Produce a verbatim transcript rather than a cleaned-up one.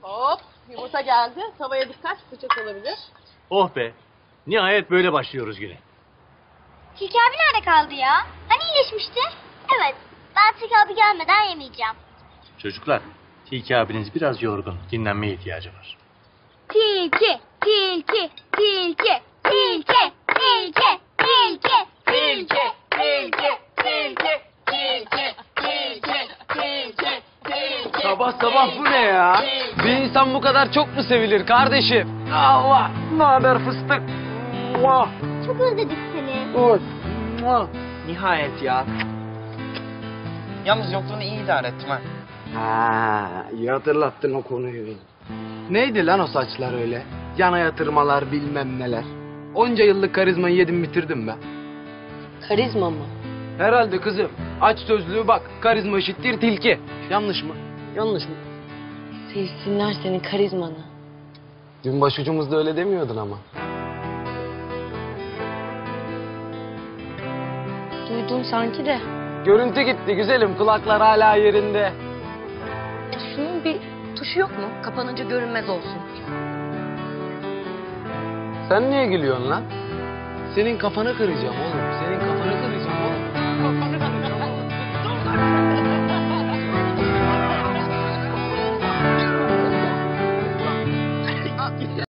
Hop, yumurta geldi. Tavaya dikkat, sıcak olabilir. Oh be, nihayet böyle başlıyoruz güne. Tilki abi nerede kaldı ya? Hani iyileşmişti? Evet, ben Tilki abi gelmeden yemeyeceğim. Çocuklar, Tilki abiniz biraz yorgun, dinlenmeye ihtiyacı var. Tilki, tilki, tilki, tilki, tilki, tilki, tilki, tilki, tilki, tilki, tilki, tilki, tilki. Sabah sabah bu ne ya? Bir insan bu kadar çok mu sevilir kardeşim? Allah! Ne haber fıstık? Muah! Çok özledik seni. Oy! Muah! Nihayet ya. Yalnız yokluğunu iyi idare ettim ha. Ha, iyi hatırlattın o konuyu. Neydi lan o saçlar öyle? Yana yatırmalar bilmem neler. Onca yıllık karizmayı yedim bitirdim ben. Karizma mı? Herhalde kızım. Aç sözlüğü bak. Karizma eşittir tilki. Yanlış mı? Yanlış mı? Sevsinler senin karizmanı. Dün başucumuzda öyle demiyordun ama. Duydum sanki de. Görüntü gitti güzelim. Kulaklar hala yerinde. Ya şunun bir tuşu yok mu? Kapanınca görünmez olsun. Sen niye gülüyorsun lan? Senin kafanı kıracağım oğlum.